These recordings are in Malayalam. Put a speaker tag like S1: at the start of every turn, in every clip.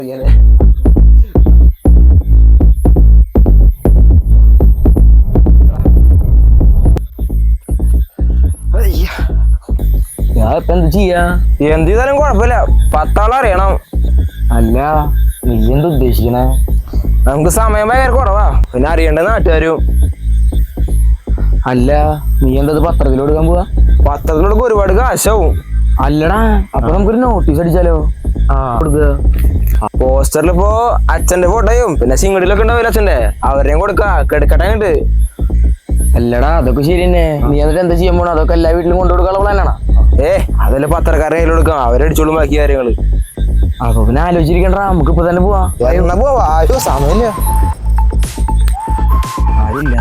S1: ഞാൻ ഇപ്പൊ എന്ത് ചെയ്യാ?
S2: എന്ത് ചെയ്താലും കുഴപ്പമില്ല, 10 ആളെ അറിയണം.
S1: അല്ല, നീ എന്താ ഉദ്ദേശിക്കണേ?
S2: നമുക്ക് സമയം ഭയങ്കര കുറവാ, പിന്നെ അറിയേണ്ട നാട്ടുകാരും.
S1: അല്ല, നീ എന്താ പത്രത്തിൽ കൊടുക്കാൻ പോവാ?
S2: പത്രത്തിലൊക്കെ ഒരുപാട് കാശാവും.
S1: അല്ലടാ, അപ്പൊ നമുക്കൊരു നോട്ടീസ് അടിച്ചാലോ? കൊടുക്കുക.
S2: പോസ്റ്ററിൽ ഇപ്പോ അച്ഛന്റെ ഫോട്ടോയും പിന്നെ സിംഗടിലൊക്കെ ഉണ്ടാവില്ല അച്ഛന്റെ, അവരെയും കൊടുക്ക കെടുക്കട്ടായിട്ട്.
S1: അല്ലടാ, അതൊക്കെ ശരി തന്നെ. നീ എന്നിട്ട് എന്താ ചെയ്യാൻ പോണോ? അതൊക്കെ എല്ലാ വീട്ടിലും കൊണ്ടുകൊടുക്കാനുള്ള പ്ലാനാണോ?
S2: അതല്ല പത്രക്കാരെ കയ്യിൽ കൊടുക്കാം, അവരടിച്ചോളും ബാക്കി കാര്യങ്ങള്.
S1: അപ്പൊ പിന്നെ ആലോചിച്ചിരിക്കണ്ട, നമുക്ക് ഇപ്പൊ തന്നെ പോവാ.
S2: എന്നാ പോവാ, ആരും സമയമില്ല.
S1: ആരില്ല.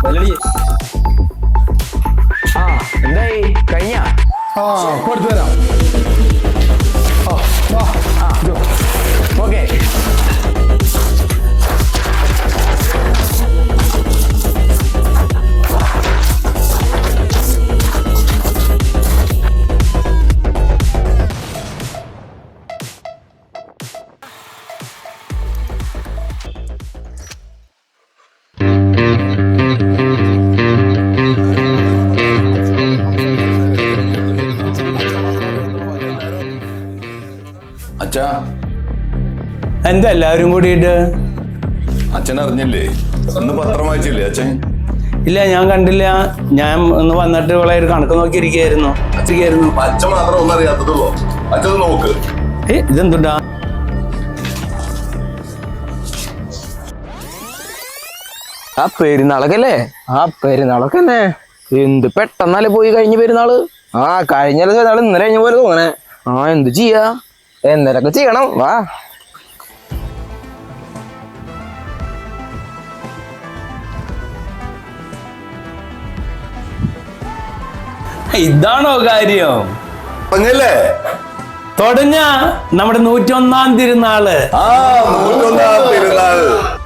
S1: എന്തായി കഴിഞ്ഞ?
S3: കൊടുത്തു തരാം.
S1: ഓക്കെ.
S3: അച്ഛാ,
S4: എന്താ എല്ലാവരും കൂടിയിട്ട്?
S3: അച്ഛൻ അറിഞ്ഞില്ലേ? ഇന്ന് പത്രം വായിച്ചില്ലേ അച്ഛൻ?
S4: ഇല്ല, ഞാൻ കണ്ടില്ല. ഞാൻ ഒന്ന് വന്നിട്ട് ഇവിടെ ഒരു കണക്ക് നോക്കിയിരിക്കുകയായിരുന്നു.
S3: അച്ഛൻ മാത്രം ഒന്നും അറിയാത്തതുള്ളൂ. അച്ഛൻ നോക്ക്.
S4: ഇതെന്തുണ്ടാ?
S2: ആ പെരുന്നാളൊക്കെ
S1: പെരുന്നാളൊക്കെ തന്നെ. എന്ത് പെട്ടെന്നല്ലേ പോയി കഴിഞ്ഞ പെരുന്നാള്.
S2: കഴിഞ്ഞ പെരുന്നാൾ ഇന്നലെ കഴിഞ്ഞ പോലെ തോന്നണേ.
S1: എന്ത് ചെയ്യാ?
S2: എന്തൊക്കെ ചെയ്യണം, വാ.
S4: ഇതാണോ കാര്യം?
S3: പറഞ്ഞല്ലേ
S4: തുടങ്ങ നമ്മുടെ 101-ാം തിരുനാള്.
S3: 101-ാം തിരുനാൾ.